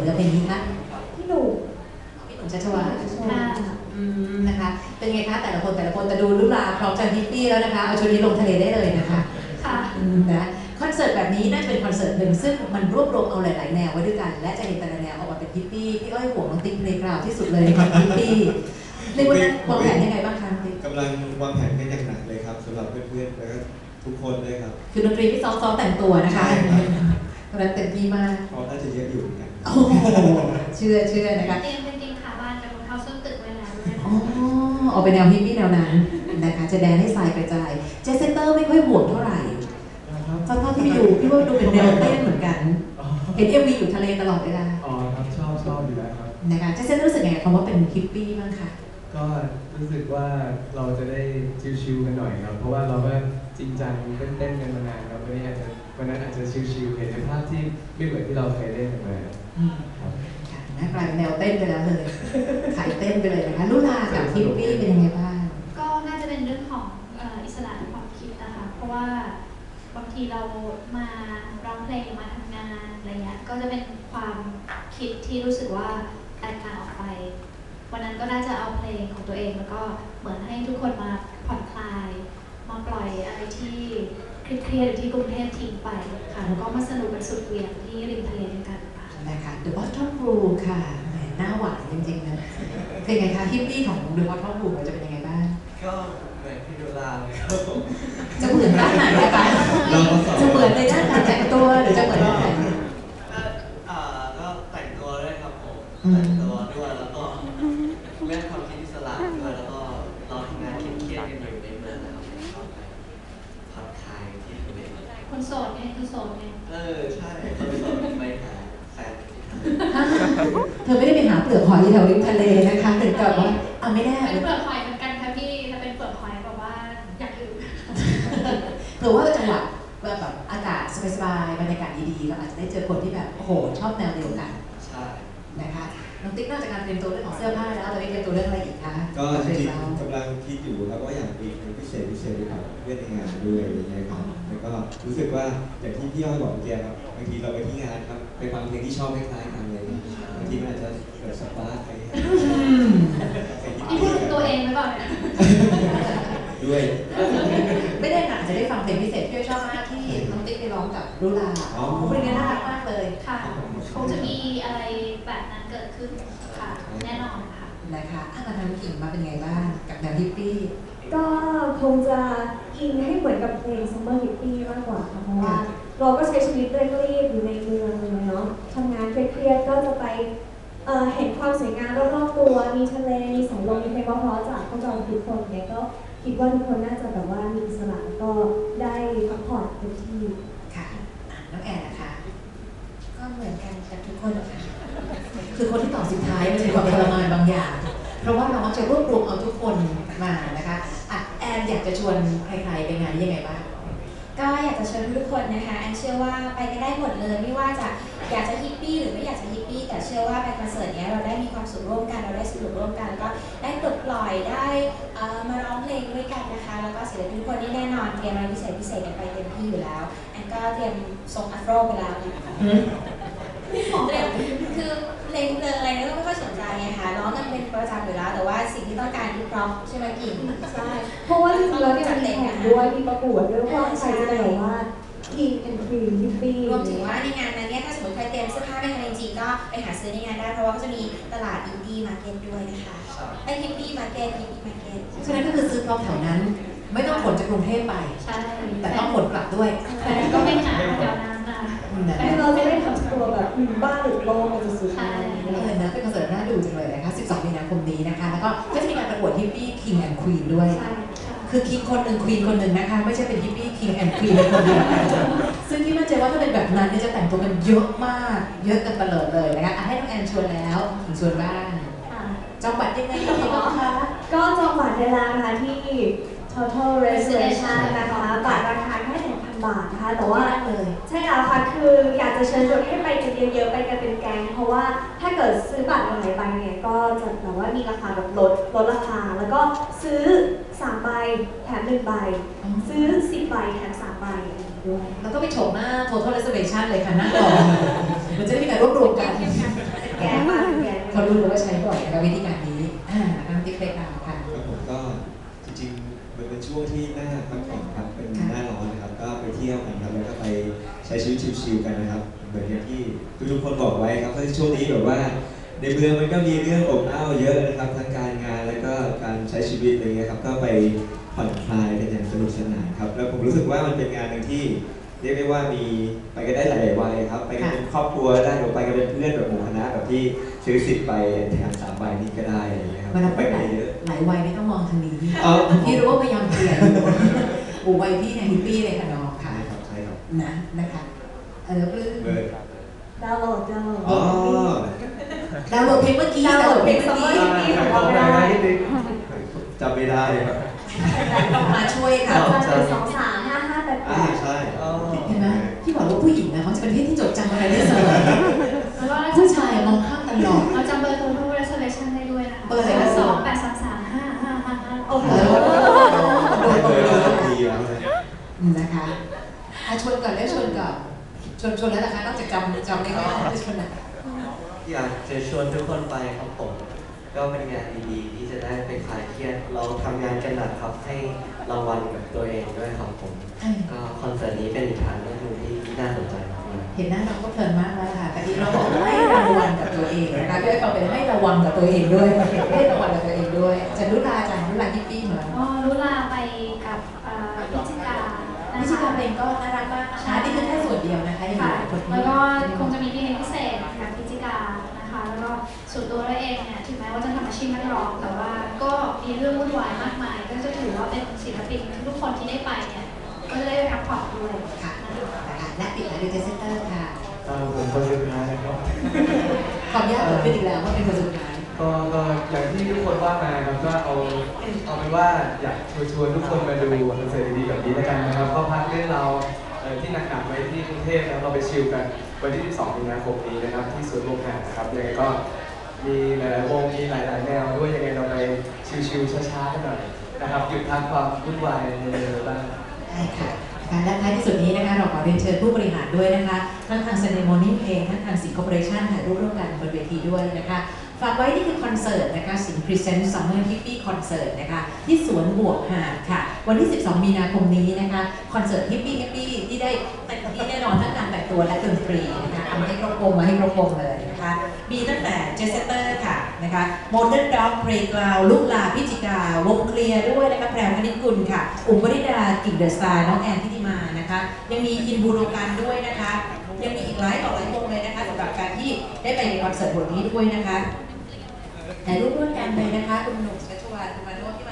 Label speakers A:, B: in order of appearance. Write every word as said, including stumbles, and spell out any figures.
A: เนื้อเพลงนี้คะ
B: พี่หนุ่ม
A: พี่หนุ่มชัชวาลนะคะเป็นไงคะแต่ละคนแต่ละคนแต่ดูรุ่นราวพร้อมจะฮิปปี้แล้วนะคะเอาชุดนี้ลงทะเลได้เลยนะคะ
B: ค่ะ
A: นะคอนเสิร์ตแบบนี้น่าจะเป็นคอนเสิร์ตหนึ่งซึ่งมันรวบรวมเอาหลายๆแนวไว้ด้วยกันและจะเห็นแต่ละแนวออกมาเป็นฮิปปี้พี่อ้อยห่วงน้องติ๊กในกราวที่สุดเลยในความฮิปปี้ในวันนั้นวางแผนยังไงบ้างคะติ๊ก
C: กำลังวางแผนกันอย่างหนักเลยครับสำหรับเพื่อนๆแล้วก็ทุกคนเลยครับ
A: คือดนตรีที่ซ้อมๆแต่งตัวนะคะตอนนั้นเต็มที่มาก
C: เขาน่าจะเยอะอยู่เหมือนกัน
A: โอ้เชื่อเชื่อนะคะ
B: เตรียมเป็นจริงขาบ้านกับรองเท้าส้นตึกไว้แล้วด้วย
A: อ๋อออกไปแนวฮิปปี้แนวนั้นนะคะจะแดนให้ทรายกระจายเจสเซนเตอร์ไม่ค่อยห่วงเท่าไหร่ตอนที่ไปดูพี่ว่าดูเป็นแนวเต้นเหมือนกันเห็นเอ็มวีอยู่ทะเลตลอดเวลา
D: อ๋อครับชอบชอบอยู่แล้วครับ
A: นะคะเจสเซนรู้สึกไงคำว่าเป็นฮิปปี้บ้างคะ
D: ก็รู้สึกว่าเราจะได้ชิลๆกันหน่อยครับเพราะว่าเราก็จริงจังเต้นๆกันมานานครับวันนี้อาจจะวันนั้นอาจจะชิลๆเห็นในภาพที่ไม่เหมือนที่เราเคยเล่นกันมา
A: ครับนะกลายเป็นแนวเต้นไปแล้วเลยขายเต้นไปเลยนะคะลุลากับฮิปปี้เป็นยังไงบ้าง
B: ก็น่าจะเป็นเรื่องของอิสระในความคิดนะคะเพราะว่าบางทีเรามาร้องเพลงมาทำงานอะไรเงี้ยก็จะเป็นความคิดที่รู้สึกว่าแตกต่างออกไปวันนั้นก็น่าจะเอาเพลงของตัวเองแล้วก็เหมือนให้ทุกคนมาผ่อนคลายมาปล่อยอะไรที่เครียดๆที่กรุงเทพทิ้งไปค่ะแล้วก็มาสนุกกันสุดเหวี่ยงที่ริมทะเลด้วยกัน
A: นะคะ The Bottom Blue ค่ะแหมหน้าหวานจริงๆนะเป็นไงคะฮิปปี้ของ The Bottom Blue จะเป็นยังไงบ้าง
E: ก็เหมือนพี่ดูลาเลยครับ
A: จะเหมือนด้านไหนคะจะเหมือนในด้านการแต่งตัวหรือจะเหมือนด้านไหน
E: อ่าก็แต่งตัวด้วยครับผมแต่งตัวด้วยแล้วก็เรื่องความคิดอิสระด้วยแล้วก็เราทำงานเครียดๆกันอยู่ในเมืองนะครับชอบไปผ่อนคลายที่ทะเล
B: คนโสดไงคนโสดไง
E: เออใช่คนโสดไปหาแฟน
A: เธอไม่ได้ไปหาเปลือกหอยแถวริมทะเลนะคะถึงกับว่าอ่ะไม่ได้
B: เป็นเปลือกหอยเหมือนกันค่ะพี่ถ้าเป็นเปลือกหอยแบบว่าอยากอยู่
A: เผื่อว่าจังหวะแบบอากาศสบายๆบรรยากาศดีๆเราอาจจะได้เจอคนที่แบบโอ้โหชอบแนวเดียวกัน
E: ใช่
A: นะคะน้องติ๊กนอกจากการเตรียมตัวเรื่องของเสื้อผ้าแล้วเราได้เตรียมตัวเรื่องอะไรอีกคะ
C: ก็จริงๆกำลังคิดอยู่ครับว่าอยากมีเป็นพิเศษพิเศษด้วยครับเพื่อนในงานด้วยอะไรเงี้ยครับแล้วก็รู้สึกว่าอย่างที่พี่อ้อยบอกเมื่อกี้ครับบางทีเราไปที่งานครับไปฟังเพลงที่ชอบคล้ายๆกันเลยบางทีมันอาจจะเกิดสปาร์คไป
B: ที่พูดถึงตัวเองหรือเปล่าเนี่ย
C: ด้วย
A: ไม่ได้ค่ะจะได้ฟังเพลงพิเศษที่ชอบมากที่น้องติ๊กไปร้องกับรุลาเพลงนี้น่ารักมากเลย
B: ค่ะคงจะมีอะไรแบบนั้นเกิดขึ้นค่ะแน่นอนค่ะ
A: นะคะถ้ามาทำกิ่งมาเป็นไงบ้างกับแนวฮิปปี้
F: ก็คงจะอินให้เหมือนกับเพลง Summer Hippie มากกว่าค่ะเพราะว่าเราก็ใช้ชีวิตเร่งรีบอยู่ในเมืองเลยเนาะทำงานเครียดๆก็จะไปเอ่อเห็นความสวยงามรอบๆตัวมีทะเลมีสายลมมีเพลงเพราะๆจากพวกเราทุกคนเนี่ยก็คิดว่าทุกคนน่าจะแบบว่ามีอิสระแล้วก็ได้พักผ่อนเต็มที่
A: ค่ะน้องแอนนะคะ
G: ก็เหมือนกันกับทุกคนค่ะ
A: คือคนที่ตอบสุดท้ายมันมีความทรมานบางอย่างเพราะว่าเราจะรวบรวมเอาทุกคนมานะคะอ่ะแอนอยากจะชวนใครๆไปงานนี้ยังไงบ้าง
G: ก็อยากจะเชิญทุกคนนะคะแอนเชื่อว่าไปกันได้หมดเลยไม่ว่าจะอยากจะฮิปปี้หรือไม่อยากจะฮิปปี้แต่เชื่อว่าไปคอนเสิร์ตนี้เราได้มีความสุขร่วมกันเราได้สนุกร่วมกันก็ได้ปลดปล่อยได้มาร้องเพลงด้วยกันนะคะแล้วก็ศิลปินทุกคนนี่แน่นอนเตรียมอะไรพิเศษพิเศษกันไปเต็มที่อยู่แล้วแอนก็เตรียมทรงอัฟโรไปแล้วเตรียมคือเพลงเพลงอะไรนี่ก็ไม่ค่อยสนใจไงคะร้องกันเป็นประจำอยู่แล้วแต่ว่าสิ่งที่ต้องการคือเพราะใช่ไหมกิ่ง
F: ใช่เพราะว่าจริงๆแล้วเนี่ยมีแข่งด้วยมีประกวดด้วยว่าใครจะได้แบบว่าทีมแอนด์ควีนฮิปปี้
G: รวมถึงว่าในงานนั้นเนี่ยถ้าสมมติใครเตรียมเสื้อผ้าไม่ทันจริงๆก็ไปหาซื้อในงานได้เพราะว่าก็จะมีตลาดอินดี้มาร์เก็ตด้วยนะคะไอฮิปปี้มาร์เก็ตฮิปปี้มาร์เก็ต
A: ฉะนั้นก็คือซื้อพร้อมแถวนั้นไม่ต้องขนจากกรุงเทพไป
B: ใช่
A: แต่ต้องขนกลับด้วย
B: แต่ก็ไม่หาแถวนั้นนะ
F: แต่เราจะได้ทำตัวแบบบ้านหรือโลกมันจะสุด
B: ใช่
A: เลยนะเป็นคอนเสิร์ตน่าดูจังเลยนะคะสิบสองมีนาคมนี้นะคะแล้วก็ก็จะมีการประกวดฮิปปี้ King and Queen ด้วยคือคิงคนหนึ่งควีนคนหนึ่งนะคะไม่ใช่เป็นฮิปปี้ King and Queen คนเดียวกันซึ่งที่มั่นใจว่าถ้าเป็นแบบนั้นจะแต่งตัวกันเยอะมากเยอะกันตลอดเลยนะคะให้น้องแอนชวนแล้วถึงชวนบ้างจองบัตรยังไงคะ
F: ก็จองบัตรได้แล้วนะคะที่ total reservation นะคะบัตรราคาแค่ หนึ่งพัน บาทนะคะแต่ว่า
A: เลย
F: ใช่แล้วค่ะคืออยากจะเชิญชวนให้ไปกันเยอะๆไปกันเป็นแก๊งเพราะว่าถ้าเกิดซื้อบัตรหลายใบเนี่ยก็จะแบบว่ามีราคาแบบลดลดราคาแล้วก็ซื้อสามใบแถมหนึ่งใบซื้อสิบใบแถมสามใบ
A: ด้วยแล้วก็ไปโฉมหน้า total reservation เลยค่ะนั่งรอมันจะได้มีการรวบรวมกันรู้เลยว่าใช้บ่อยนะคะวิธีการนี้อ่าน้ำติ๊กเล็กน้ำค่ะ
C: ครับผมก็จริงๆมันเป็นช่วงที่หน้าพักผ่อนครับเป็นหน้าร้อนนะครับก็ไปเที่ยวกันครับแล้วก็ไปใช้ชีวิตชิลๆกันนะครับเหมือนอย่างที่ทุกๆคนบอกไว้ครับว่าช่วงนี้แบบว่าในเมืองมันก็มีเรื่องอบอ้าวเยอะนะครับทั้งการงานแล้วก็การใช้ชีวิตอะไรเงี้ยครับก็ไปผ่อนคลายกันอย่างสนุกสนานครับแล้วผมรู้สึกว่ามันเป็นงานหนึ่งที่เรียกได้ว่ามีไปกันได้หลายวัยครับไปกันเป็นครอบครัวได้หรือไปกันเป็นเพื่อนแบบหมู่คณะแบบที่ซื้อสิทธิ์ไปแถมสามใบนี้ก็ได้อะไรอย่างเงี้ยครับ
A: เวลา
C: ไป
A: ไป
C: กันเยอะ
A: หลายวัยไม่ต้องมองทางนี้
C: อ๋อ
A: พี่รู้ว่าพยายามเปลี่ยนอยู่โอ้วัยพี่ในฮิปปี้เลยค่ะน้องค่ะ
C: ใช่ครับใช่ครับ
A: นะนะคะเออปลื้ม
C: เบอร์
F: ดาวน์โหลดดาวน์โหลด
C: อ๋อ
A: ดาวน์โหลดเพลงเมื่อกี้ดาวน์โหลดเพลงเมื่อกี้
C: จำไม่ได้ครับ
A: มาช่วยค่ะ
F: จะเป็นสองสามห้าห้าแปดแป
C: อ่า
F: ด
C: ใช่
A: เห็นไหมพี่บอกว่าผู้หญิงนะเขาจะเป็นเพศที่จดจำอะไรได้เสมอ
B: แล้วก็
A: ผู้ชายมองข้ามตลอด
B: เราจำเบอร์โทรทุก reservation ได้ด้วยนะคะ
A: เบอร์อะไรนะ
B: สองแปดสามสามห้าห้าห้าห้า
F: โอ้โห
A: โดน
C: เบ
A: เบ
C: อ
A: อ
C: ร์
A: ร์
C: เราต้องดีแล้วนะ
A: นะคะอ่ะชวนก่อนได้ชวนก่อนชวนชวนแล้วนะคะนอกจากจำจำไม่ได้ได้ชวนนะ
E: อยากจะชวนทุกคนไปครับผม ก็เป็นงานดีๆที่จะได้ไปคลายเครียดเราทำงานกันหนักครับให้รางวัลกับตัวเองด้วยครับผม ก็คอนเสิร์ตนี้เป็นอีกทางเลือกหนึ่งที่น่าสนใจมากเลย
A: เห็นหน้าน้องก็เพลินมากแล้วค่ะแต่ที่เราบอกให้รางวัลกับตัวเองนะคะด้วยความเป็นให้ระวังกับตัวเองด้วยให้ระวังกับตัวเองด้วยจะรุลาจังรุลาฮิปปี้เหมือน
B: ก็รุลาไปกับเอ่อพิจิกานะคะ
A: พิชิตาเพลงก็น่ารักมากนะคะนี่คือแค่ส่วนเดียวนะคะยังมี
B: ค่ะ
A: หลายคนที่
B: แล้วก็คงจะมีเพลงพิเศษกับพิจิกานะคะ แล้วก็ส่วนตัวเราเองเนี่ยถึงแม้ว่าจะทำอาชีพนักร้องแต่ว่าก็มีเรื่องวุ่นวายมากมาย ก็จะถือว่าเป็นศิลปินทุกคนที่ได้ไปเนี่ยก็จะได้พักผ่อนด้วย
A: ค่ะ
B: นะคะ
A: นะคะและปิดท้ายด้วยเจสเตอร์ค่ะ
D: เอ่อผมคนสุดท้ายนะครับ
A: ขออนุญาตเปิดขึ้นอีกแล้วว่าเป็นคนสุดท้าย
D: ก็ก็อย่างที่ทุกคนว่ามาครับก็เอาเอาเป็นว่าอยากชวนชวนทุกคนมาดูคอนเสิร์ตดีๆแบบนี้แล้วกันนะครับก็พักเรื่องเราเอ่อที่หนักๆไว้ที่กรุงเทพแล้วเราไปชิลกันวันที่สิบสองมีนาคมนี้นะครับที่สวนโมกหานะครับยังไงก็มีหลายๆวงมีหลายๆแนวด้วยยังไงเราไปชิลๆช้าๆกันหน่อยนะครับหยุดพักความวุ่นวายในเรือบ้าง
A: ได้ค่ะการและท้ายที่สุดนี้นะคะเราขอเรียนเชิญผู้บริหารด้วยนะคะทั้งทางเซเนโมนิ่งเองทั้งทางสิงคโปร์เรชั่นถ่ายรูปร่วมกันบนเวทีด้วยนะคะฝากไว้นี่คือคอนเสิร์ตนะคะสิงห์พรีเซนต์ซัมเมอร์ฮิปปี้คอนเสิร์ตนะคะที่สวนบวกหาดค่ะวันที่สิบสองมีนาคมนี้นะคะคอนเสิร์ตฮิปปี้ฮิปปี้ที่ได้เต็มที่แน่นอนทั้งการแต่งตัวและดนตรีนะคะทำให้ครบวงมาให้ครบวงเลยนะคะมีตั้งแต่เจสเตอร์ค่ะนะคะโมเดิร์นด็อกเพลย์กราวลูกลาพิจิกาวงเคลียร์ด้วยนะคะแพรวคณิตกุลค่ะอุ๋มวริดากิ่งเดอะสตาร์น้องแอนทิติมานะคะยังมีอินบูโรกันด้วยนะคะยังมีอีกหลายต่อหลายวงเลยนะคะสำหรับการที่ได้ไปในคอนเสิร์ตวันนี้ด้วยนะคะถ่ายรูปร่วมกันเลยนะคะคุณหนุ่มชัชวาลคุณมาโนที่มา